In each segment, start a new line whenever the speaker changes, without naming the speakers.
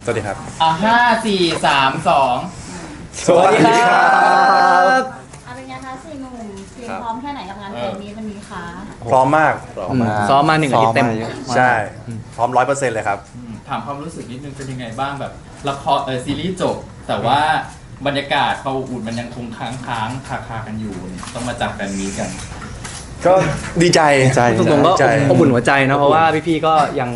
สวัสดีครับ
5 4 3 2
สวัสดีครับ
อะไรเงี้ยคะสี่หนุ่มเตรียมพร้อมแค่ไหนกับงานเพลงนี้วันนี้คะ
พร้อมมาก
ซ้อมมา1 อาทิตย์เต็ม
ใช่ พร้อม100%เลยครับ
ถามความรู้สึกนิดนึงเป็นยังไงบ้างแบบละครซีรีส์จบ แต่ว่าบรรยากาศความอบอุ่นมันยังคงค้างคากันอยู่ต้องมาจับกันนี้กัน
ก็ดีใจ
ตรงๆก็
ดีใจ
อบอุ่นหัวใจเนาะเพราะว่าพี่ๆก็ยัง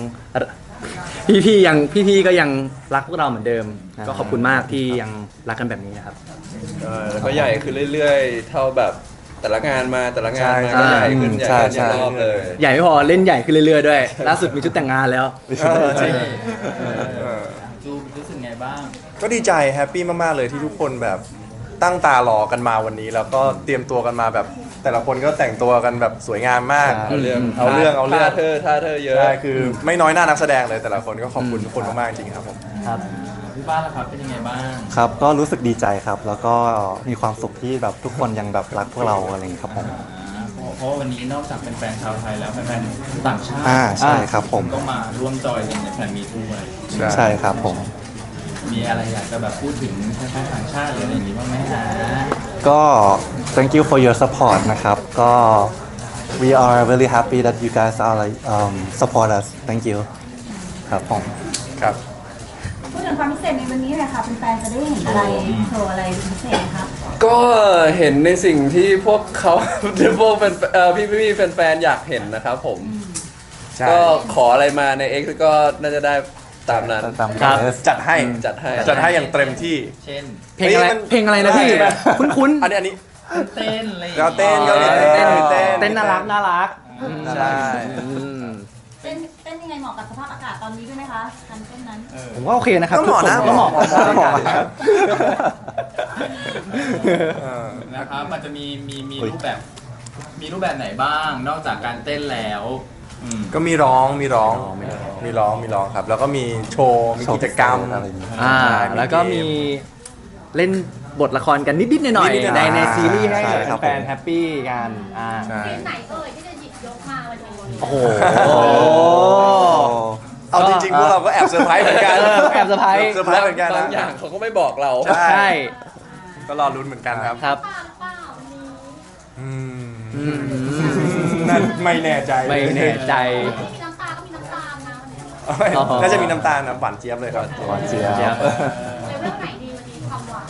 พี่ๆก็ยังรักพวกเราเหมือนเดิม ก็ขอบคุณมากที่ยังรักกันแบบนี้นะครับ
แล้วก็ใหญ่ขึ้นเรื่อยๆ เท่าแบบแต่ละงานมาก็
ใช่
ใหญ่ขึ้นใหญ่ขึ้นอย่างรอบเลย
ใหญ่ไม่พอเล่นใหญ่ขึ้นเรื่อยๆด้วย ล่าสุดมีชุดแต่งงานแล้ว
จริง
จูรู้สึกไงบ้าง
ก็ดีใจแฮปปี้มากๆเลยที่ทุกคนแบบตั้งตารอกันมาวันนี้ แล้วก็เตรียมตัวกันมาแบบ แต่ละคนก็แต่งตัวกันแบบสวยงามมาก
เอาเรื่อง
เอาเรื่อง
ท่าเธอเยอะ
ใช่คือไม่น้อยหน้านักแสดงเลยแต่ละคนก็ขอบคุณทุกคนมากๆจริงครับผม
ครับ
พี่บ้านล่ะครับเป็นยังไงบ้าง
ครับก็รู้สึกดีใจครับ แล้วก็มีความสุขที่แบบทุกคนยังแบบรักพวกเราอะไรอย่างนี้ครับผม
เพราะวันนี้นอกจากเป็นแฟนชาวไทยแล้วแฟนๆต่างชาติ
ใช่ครับผม
ก็มาร่วมจอยกันในแฟนมีด้วย
ใช่ครับผม
มีอะไรอยากจะแบบพูดถึงแฟนๆต่างชาติหรืออะไรอย่างนี้บ้างไหมฮะ
ก็ thank you for your support นะครับก็ we are really happy that you guys are like support us thank you ครับผม
ครับ
พูดถึงความพิเศษในวันนี้เลยค่ะเป็นแฟนๆจะได้เห็นอะไรโชว์อะไรพิเศษคะ
ก็เห็นในสิ่งที่พวกเขา พวกเป็นพี่ๆแฟนๆอยากเห็นนะครับผม
ใช่
ก็ขออะไรมาใน X ก็น่าจะได้ตามนั้น
ตาม
ครับ
จัดให้
จัดให้
จัดให้อย่างเต็มที่
เช่น
เพลงอะไร
เฮ้ยมัน
เพลงอะไรนะพี่
ใช่ไหม
คุ้น
อันนี้
เต้นอะไรอย่าง
เรา
งี้
เต้นก็มีเต้น
เต้นน่ารัก
ใช่
เต้นยังไงเหมาะกับสภาพอากาศตอนนี้ด้วยไหมคะการเต้นนั้น
ผมว่าโอเคนะครับ
ก็เหมาะนะ
ก็เหมาะ
เหมาะครับ
นะครับมันจะมีรูปแบบไหนบ้าง นอกจากการเต้นแล้วอืม
ก็มีร้องครับ แล้วก็มีโชว์มีกิจกรรม
อะไรอย่างนี้
แล้วก็มีเล่นบทละครกันนิดๆหน่อย
นิดๆหน่
ๆใน
อยๆ
ในซีรีส์ให้
ใช่ครับ
แฟนๆแฮปปี้กัน
ใช่
เพลงไหนเอ่ยที่จะหยิบยกมาวันนี้
โอ้โห
เอาจริงๆพวกเราก็แอบเซอร์ไพรส์เหมือนกัน
แอบเซอร์ไพรส์
เซอร์ไพรส์เหมือนกัน
บาง
นะ
อย่างเขาก็ไม่บอกเรา
ใช่
ใช่
ก็รอลุ้นเหมือนกันครับ
ครับ
เปล่าเปล่าวันนี้
อืมนั่นไม่แน่ใจ
ไม่แน่ใจ
มีน้ำตาก็มีน้ำตาลนะวันนี้
น่าจะมีน้ำตาลนะหวานเจี๊ยบเลยครับ
หวานเจี๊ยบ
เลเวลไหนดีวันนี้ความหวาน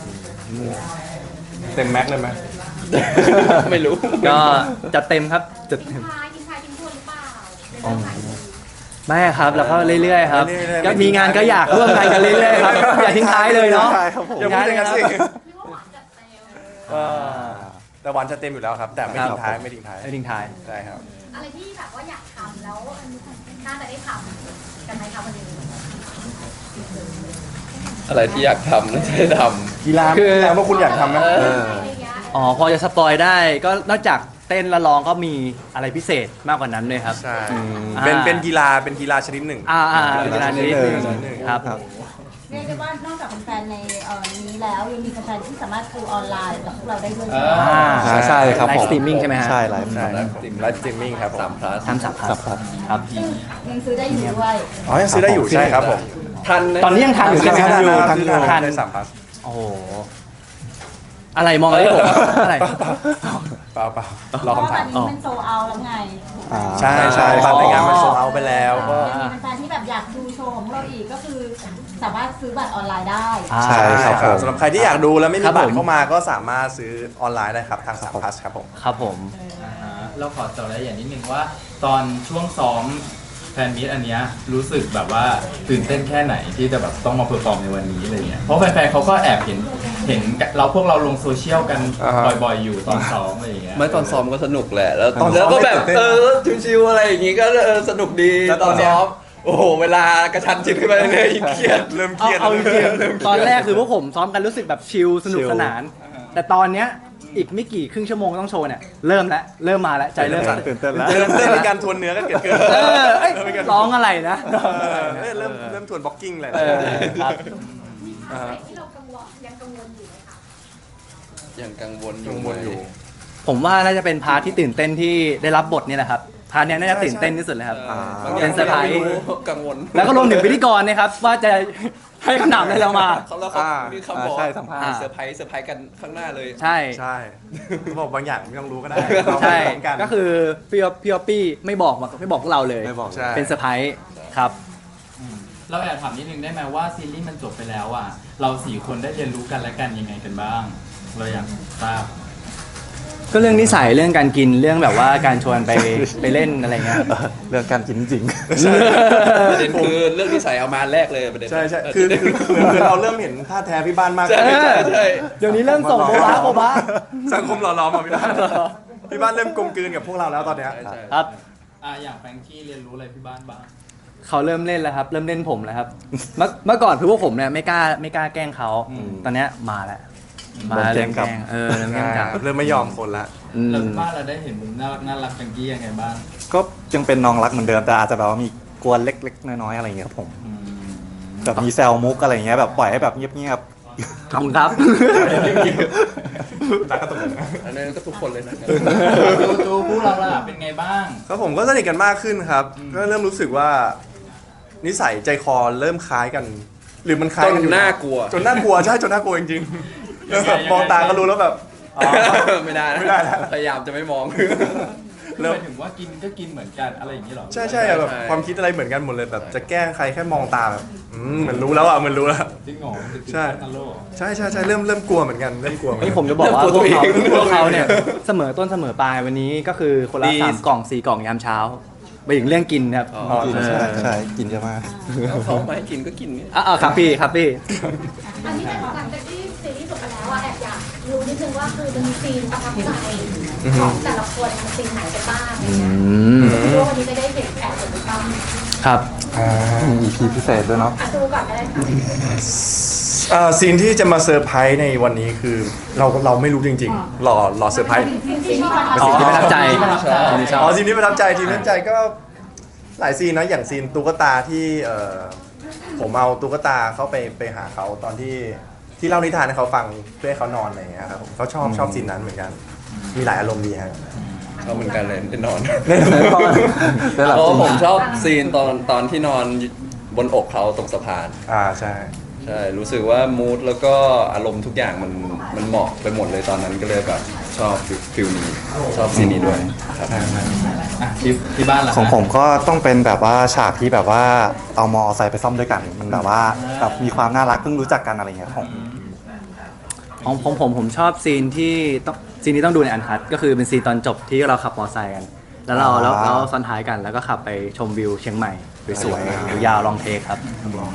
เต็มแม็กซ์เลยไหม
ไม่รู้
ก็จัดเต็มครับจัดเต็ม
ทิ้งท้ายทิ้งทวนหรือเปล่าเลเวลไหน
ไม่ครับแล้วก็เรื่อยๆครับ
เรื่อยๆ
ก็มีงานก็อยากร่วมงานกันเรื่อยๆครับอย่าทิ้งท้ายเลยเนาะ
ใช่ครับผม
อย่าพูดอย่างนั้นสิ
เรียกว่าหวานจัดเต็ม
แต่หวานจะเต็มอยู่แล้วครับ แต่ไม่ทิ้งท้ายไม่ทิ้งท้าย
ไม่ทิ้งท้าย
ใช่ครับ
อะไรที่แบบว่าอยากทำแล้วน่าจะได้ทำกันไหมคะวันนี้
อะไรที่อยากทำน่าจะได้ท
กีฬา
คือ
กีฬาพวกคุณอยากทำไหม
อะไรอย่างเงี้ย
อ๋อพอจะสปอยได้ก็นอกจากเต้นและร้องก็มีอะไรพิเศษมากกว่านั้นด้วยครับ
ใช่
อ่า
เป็นกีฬาชนิดหนึ่ง
เป็นกีฬาชนิดหนึ่งครับ
เรียกได้ว่านอกจากแฟนๆในนี้แล้วยังมีแฟนๆที่สามารถดูออนไลน์กับพวกเราได้ด้วย
ใช่ครับ
ไล
ผม
ฟ์สตรีมมิ่งใช่ไหมฮะ
ใช่ไลฟ์
ใช่ไลฟ์สตรีมมิ่งครับผม
3 plus
ทำสับครับครับ
ซึ่งยังซื้อได้อยู่ด้วย
อ๋อยังซื้อได้อยู่ใช่ครับผม
ทันนะ
ตอนนี้ยังทันอยู่ใช่ไหม
ทันอยู่
ทัน
ทันได้3 plus
โอ้โหอะไรมองอะไรผมอะไร
เปล่า
เพ
รอ
ราะว่า
คำถา
ตอ
ม
นนี้มันโซเอาแล้วไง
ใช่บัตรในงานมันโซเอาไปแล้วก็
ยังมีแฟนๆที่แบบอยากดูโชว์ของเราอีกก็คือสามารถซื้อบัตรออนไลน์ได้
ใช่ครับผม
สำหรับใครที่อยากดูแล้วไม่
ครั
มี
บ
บัต
ผม
รเข้ามาก็สามารถซื้อออนไลน์ได้ครับทาง3 plus ครับผม
ครับผม
เราขอเจาะรายละเอียดนิดนึงว่า ตอนช่วงซ้อมแฟนมีตอันเนี้ยรู้สึกแบบว่าตื่นเต้นแค่ไหนที่จะแบบต้องมาเพอร์ฟอร์มในวันนี้อะไรเงี้ยเพราะแฟนๆเขาก็แอบเห็นเราพวกเราลงโซเชียลกัน
อ่าฮะ
บ่อยๆอยู่ตอนซ้อมอะไรอย่างเงี้ย
ไม่ตอนซ้อมก็สนุกแหละ แล้ว
ตอนซ้อม
แล้วก็แบบ
ไม่ตื่นเต้น
ชิวๆอะไรอย่างงี้ก็สนุกดี
แล้ว
ต
ต
อ
อน นเนี้ย
ซ้อม โอ้โห เวลากระชันชิดขึ้นไปเรื่อยๆยิ่งเครียด
เริ่มเครียด
เอาจริงๆตอนแรกคือพวกผมซ้อมกันรู้สึกแบบชิลสนุกสนาน แต่ตอนเนี้ยอีกไม่กี่ครึ่งชั่วโมงต้องโชว์เนี่ยเริ่มมาแล้วใจเริ่มสั่น
ตื่นเต้นแล้ว
เริ่มมีการทวนเนื้อกันเกิดขึ้น
เอ้ยร้องอะไรนะ
เริ่มทวนบล็อกกิ้งเลย
ครับ
ที่เรากังวลยังกังวลอยู่ไหมคะ
ยังกังวลอ
กั
ยู่
งวลอยู่
ผมว่าน่าจะเป็นพาร์ทที่ตื่นเต้นที่ได้รับบทนี่แหละครับ พพาร์ทเนี้ยน่าจะตื่นเต้นที่สุดเลยครับ
บางอ
เป็
ย่าง
นเซอร์ไพร
ไม่
ส์
รู้กังวล
แล้วก็รวมถึงพิธีกรนะครับว่าจะให้คำถามอะไรเรามา
เขาแล้วเขามีคำบอก
ใช่สัมภาษณ์
เซอร์ไพรส์กันข้างหน้าเลย
ใช่
ใช่เขาบอกบางอย่างไม่ต้องรู้ก็ได้
ใช่
เราพร้อมกัน
ก็คือพี่ออปปี้ไม่บอกพวกเราเลย
ไม่บอก
ใช่
เป็นเซอร์ไพรส์ครับ
เราแอบถามนิดนึงได้ไหมว่าซีรีส์มันจบไปแล้วอ่ะเราสี่คนได้เรียนรู้กันและกันยังไงกันบ้าง เราอยากทราบ
ก็เรื่องนิสัยเรื่องการกินเรื่องแบบว่าการชวนไปเล่นอะไรเงี้ย
เรื่องการกินจริง
ประเด็นคือเรื่องที่ใส่เอามาแรกเลยประเด็น
ใช่ใช่คือเราเริ่มเห็นท่าแท้พี่บ้านมาก
ใช่
ขึ้น
ใช่ใช่
เดี๋ยวนี้เริ่มส่งโบบะ
สังคมหล่อหลอมอ่ะพี่บ้านพี่บ้านเริ่มกลมกลืนกับพวกเราแล้วตอนเนี้ย
ใช่ใช่
ครับ
อย่างแฟรงกี้เรียนรู้อะไรพี่บ้านบ้าง
เขาเริ่มเล่นแล้วครับเริ่มเล่นผมแล้วครับเมื่อก่อนคือพวกผมเนี่ยไม่กล้าแกล้งเขาตอนเนี้ยมาแล้วมา
เริ่มแกล้
เริ่
ง
ม
กลั
แก
บ
ล้งเริ่มแกล้งกลับ
เริ่มไม่ยอมคนละ
อืม
แล้วพี่บ้านเราได้เห็นมุมน่ารักแฟรงกี้ยังไงบ้าง
ก็ยังเป็นน้องรักเหมือนเดิมแต่อาจจะแบบว่ามีกวนเล็กๆน้อยๆอะไรอย่างเงี้ยครับผมแบบมีแซวมุกอะไรอย่างเงี้ยแบบปล่อยให้แบบเงียบ
ขอบคุณครับ
รักกันตรงนั้น
อันนั้นก็ทุกคนเลยนะ
จูพวกเราล่ะเป็นไงบ้าง
ครับผมก็สนิทกันมากขึ้นครับ ก็เริ่มรู้สึกว่า นิสัยใจคอเริ่มคล้ายกัน หรือมันคล้ายกันอยู่
จนน่ากลัว
จนน่ากลัวใช่จนน่ากลัวจริงๆแล้วแบบมองตาก็รู้แล้วแบบอ๋อ
ไม่ได้นะ
ไม่ได้แล้ว
พยายามจะไม่มอง
หมายถึงว่ากินก็กินเหมือนกันอะไรอย่างนี้หรอ
ใช่ใช่อะแบบ
ใช่
ความคิดอะไรเหมือนกันหมดเลยแบบจะแกล้งใครแค่มองตาแบบเหมือนรู้แล้วอ่ะเหมือนรู้แล้ว
จริงเหรอ
ใช่
กันโลก
ใช่ใช่ใช่เริ่มกลัวเหมือนกันเริ่มกลัวเหมือน
นี่
กัน
ผมจะบอกว่า
เริ่มกลัวตัวเอง
พวกเขาเนี่ยเสมอต้นเสมอปลายวันนี้ก็คือคนละ
ดี
3 กล่อง 4 กล่องยามเช้าไปถึงเรื่องกินครับ
อ๋อ
อ๋อ
ๆกิน
ใช่
ใช่
ใช่
ใช่กินเยอะมาก
แล้วเขาไม่ให้กินก็กินเนี่ย
ครับพี่ครับพี่
อันนี้เป็นหลังจากที่ซีรีส์จบไปแล้วอะแอบอยากรู้นิดนึงว่าคือจะมีซีนประทับใจของแต่ละคนมันซีนไหนกันบ้างอะไรเงี้ยไม่รู้ว่าวันนี้จะได้เห็นแอบเห็นหรือเปล่า
ครับ
มี EP พิเศษด้วยเนาะ
ดูก่อนก็ได้ค่ะ
ซีนที่จะมาเซอร์ไพรส์ในวันนี้คือเราไม่รู้จริงๆรอเซอร์ไพรส์
ซีนที่ประทับ
อ๋อที่ประทับใจ
ที่ประทับใจ
ที่ชอบ
อ๋อซีนที่ประทับใจทีมประทับใจก็หลายซีนนะอย่างซีนตุ๊กตาที่ผมเอาตุ๊กตาเข้าไปหาเขาตอนที่เล่านิทานให้เขาฟังเพื่อให้เขานอนอะไรอย่างเงี้ยครับผมเขาชอบซีนนั้นเหมือนกัน มีหลายอารมณ์ดีฮะ
เขาเหมือนกันเลยได้นอน
ได้หลับ
เพราะ
จริง
ผมชอบซีนตอนที่นอนบนอกเขาตรงสะพาน
ใช่
ใช่ รู้สึกว่ามูดแล้วก็อารมณ์ทุกอย่างมันเหมาะไปหมดเลยตอนนั้นก็เลยแบบชอบฟิลนี้ชอบซีนนี้ด้วยครับ
ที่บ้านล่ะ
ของผมก็ต้องเป็นแบบว่าฉากที่แบบว่าเอามอไซค์ไปซ่อมด้วยกัน มันแบบว่าแบบมีความน่ารักเพิ่งรู้จักกันอะไรอย่างเงี้ยของ
ผมชอบซีนนี้ต้องดูในอันคัดก็คือเป็นซีนตอนจบที่เราขับมอเตอร์ไซค์กัน แล้วเราซ้อนท้ายกันแล้วก็ขับไปชมวิวเชียงใหม่สวยๆยาวๆลองเทคครับ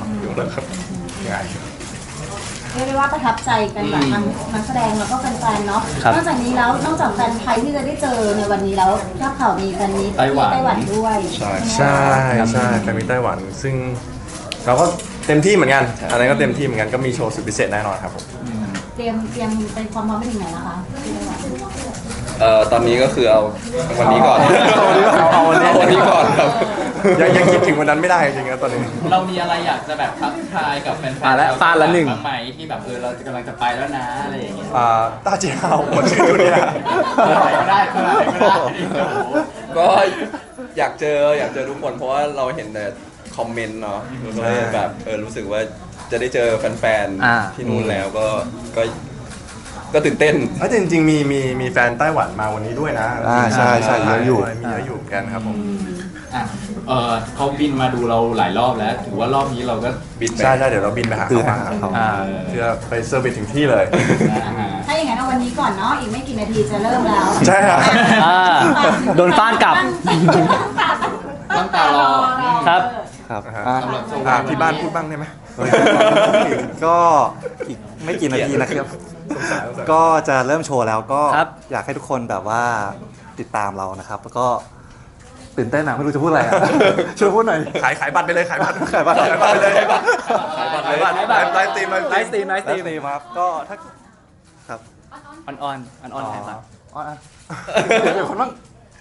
เรียกได้ว่าประทับใจกันแบบทั้งนักแสดงแล้วก็แฟนๆเนาะ
ครับ
นอกจากนี้แล้วนอกจากแฟนไทยที่จะได้เจอในวันนี้แล้วทราบข่าวมีแฟนนี้ที่ไต้หวันด้วย
ใช่แฟนมิตรไต้หวัน ซึ่งเราก็เต็มที่เหมือนกันอะไรก็เต็มที่เหมือนกันก็มีโชว์สุดพิเศษแน่นอนครับผม
เตรียมเป็นความพร้อมไปถึงไหนแล้วคะที่ไต้หวัน
ตอนนี้ก็คือเอาวันนี้ก่อน
เอาวันนี้
วันนี้ก่อนครับ
ยังคิดถึงวันนั้นไม่ได้จริงๆนะตอนนี้
เรามีอะไรอยากจะแบบทักทายกับแฟนๆ
ฟาดละฟาดละหนึ่ง
บ้างไหมที่แบบเรากำลังจะไปแล้วนะอะไรอย่างเงี้ย
ต้าเจียวคนชื่อตัวเนี้ย
อะไรก็ได้ก็ได้ก็ได้โอ้โห
ก็อยากเจอทุกคนเพราะว่าเราเห็นแต่คอมเมนต์เนาะเราก็เลยแบบรู้สึกว่าจะได้เจอแฟน
อ่า
ๆที่นู่นแล้วก็ตื่นเต้น
แต่จริงๆมีแฟนไต้หวันมาวันนี้ด้วยนะ
ใช่เยอะอยู่
มีเยอะอยู่เหมือนกันครับผม
อ่ะเขาบินมาดูเราหลายรอบแล้ว ถือว่ารอบนี้เราก็
บินไป
ใช่เดี๋ยวเราบินไปหา
คือ
เขา
หา
มา
เขา
เพื่อไปเซอร์วิสถึงที่เลย
ถ้าอย่างนั้นเอาวันนี้ก่อนเนาะอีกไม่กี่นาทีจะเริ่มแล้ว
ใช่ครับ
โดนฟาดกลับ
ตั้งตารอ
ครับ
ครับ
สำหรับโชว์
ที่บ้านพูดบ้างได้ไหม
ก็อีกไม่กี่นาทีนะครับ ก็จะเริ่มโชว์แล้วก็
ครับ
อยากให้ทุกคนแบบว่าติดตามเรานะครับ แล้วก็ตื่นเต้นนะไม่รู้จะพูดอะไรอะช่วยพูดหน่อย
ขายบัตรไปเลยขายบัตร
ขายบัตร
ไปเลยไลฟ์สตรีม
ไลฟ์สตรีม
ไลฟ์สตรีมครับก็ถ้าครับ
อ่อนแทนครับ
อ๋อเดี๋ยวคนบ้าง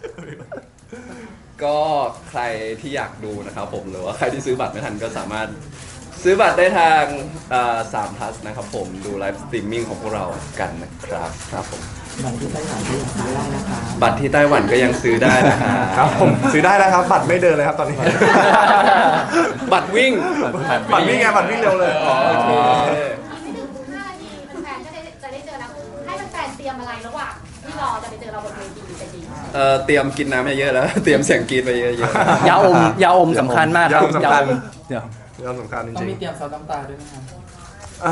ก็ใครที่อยากดูนะครับผมหรือว่าใครที่ซื้อบัตรไม่ทันก็สามารถซื้อบัตรได้ทาง3 plus นะครับผมดูไลฟ์สตรีมมิ่งของพวกเรากันนะครับครับผมบัตรที่ไต้หวันก็ยังซื้อได้นะคะ
ครับผมซื้อได้แล้วครับ บัตรไม่เดินเลยครับตอนนี้
บัตรวิ่ง
บัตรวิ่งไงบัตรวิ่งเร็วเลย
อ๋อโอเค
ไม่ถึง5 นาทีแฟนๆก็จะได้เจอแล้วให้แฟนๆเตรียมอะไรระหว่างที่รอจะไปเจอเราบนเวทีจะดี
เตรียมกินน้ำเยอะๆแล้ว เตรียมเสียงกรีดไปเยอะ
ยาอมยาอมสำคัญมากครับ
ยาอมสำคัญ
เดี๋ยว
เรื่องสำคัญจ
ต้อง
ริง
มีเตรียมซอสน้ำตาด้วยนะครับ
ๆ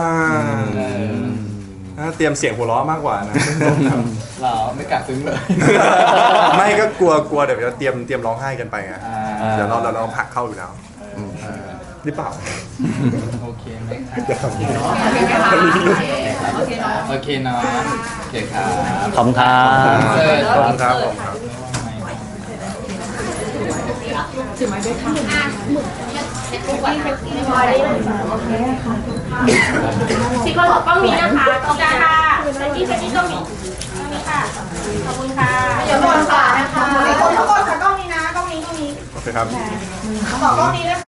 เตรียมเสียงหัวเราะมากกว่านะ
เราไม่กล้าซึ้งเลย
ไม่ก็กลัวเดี๋ยวจะเตรียมร้องไห้กันไปไง
อ่า
เดี๋ยวเราผลักเข้าอยู่แล้วหรือเปล่า
โอเคไหมครับโอเคเนาะโอเคครับ
ขอบคุณครับ
ขอบคุณครับผมครับ
สิคนกล้องนี้นะคะกล้องกลางค่ะเซนตี้กล้องนี้นี่ค่ะขอบคุณค่ะเดี๋ยวก่อนค่ะนะคะทุกคนค่ะกล้องนี้นะกล้องนี้
โอเคครับ
ขอกล้องนี้นะคะ